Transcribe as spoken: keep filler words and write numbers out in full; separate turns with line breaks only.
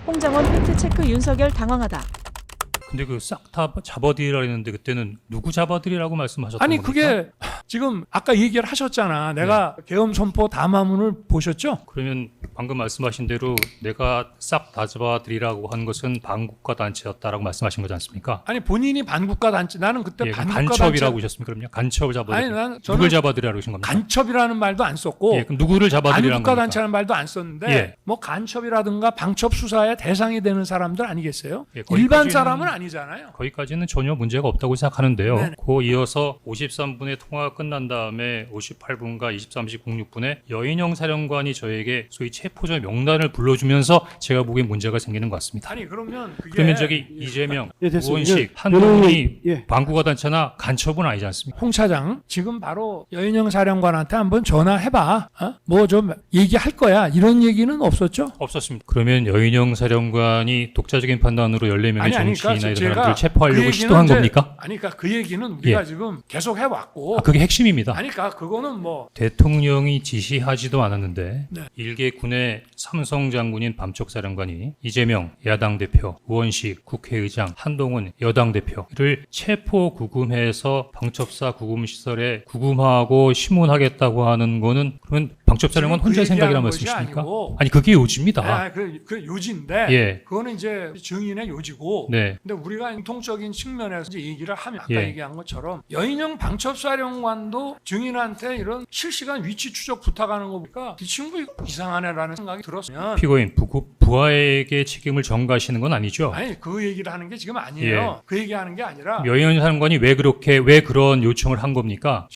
홍장원 팩트체크 윤석열 당황하다.
근데 그 싹 다 잡아들이라 했는데 그때는 누구 잡아들이라고 말씀하셨던
아니
겁니까?
그게 지금 아까 얘기를 하셨잖아. 내가
네.
계엄 선포 담화문을 보셨죠?
그러면 방금 말씀하신 대로 내가 싹 다 잡아들이라고 한 것은 반국가 단체였다라고 말씀하신 거지 않습니까?
아니 본인이 반국가 단체 나는 그때
예,
반국가
간첩이라고
단체
하셨습니까? 그럼요. 간첩을 잡아들이.
아니, 난 저는
누굴 잡아들이라고 하신 겁니까?
간첩이라는 말도 안 썼고
예, 그럼 누구를 잡아들이라는
반국가
겁니까?
단체라는 말도 안 썼는데
예.
뭐 간첩이라든가 방첩 수사의 대상이 되는 사람들 아니겠어요?
예,
일반
거기까지는-
사람은 아니잖아요.
거기까지는 전혀 문제가 없다고 생각하는데요.
네네.
그 이어서 오십삼 분의 통화가 끝난 다음에 오십팔 분과 이십삼 시 공육 분에 여인영 사령관이 저에게 소위 체포자 명단을 불러주면서 제가 보기엔 문제가 생기는 것 같습니다.
아니 그러면 그게
그러면 저기 이재명,
예, 됐습니다.
우원식,
예,
한동훈이
변호인이, 예.
반국가 단체나 간첩은 아니지 않습니까?
홍 차장 지금 바로 여인영 사령관한테 한번 전화해봐. 어? 뭐 좀 얘기할 거야. 이런 얘기는 없었죠?
없었습니다. 그러면 여인영 사령관이 독자적인 판단으로 열네 명의
아니, 아니,
정치인이나
그러니까
이런
제가
사람들을 체포하려고
그 얘기는
시도한
이제-
겁니까?
아니 그러니까 그 얘기는 우리가
예.
지금 계속 해왔고
아, 그게 핵심입니다.
아니 그러니까 그거는 뭐
대통령이 지시하지도 않았는데
네.
일개 군의 삼성 장군인 밤쪽사령관이 이재명 야당 대표, 우원식 국회의장, 한동훈 여당 대표를 체포 구금해서 방첩사 구금시설에 구금하고 심문하겠다고 하는 거는 그러면 방첩사령관
지금 그
혼자 생각이란
얘기하는 것이
말씀이십니까?
아니고
아니 그게 요지입니다.
아, 그, 그 요지인데
예.
그거는 이제 증인의 요지고
네.
근데 우리가 공통적인 측면에서 이제 얘기를 하면 아까
예.
얘기한 것처럼 여인영 방첩사령관도 증인한테 이런 실시간 위치 추적 부탁하는 거 보니까 이 친구 이상하네라는 생각이 들었으면
피고인 부, 부하에게 책임을 전가하시는 건 아니죠?
아니 그 얘기를 하는 게 지금 아니에요.
예.
그 얘기하는 게 아니라
여인 사령관이 왜 그렇게 왜 그런 요청을 한 겁니까?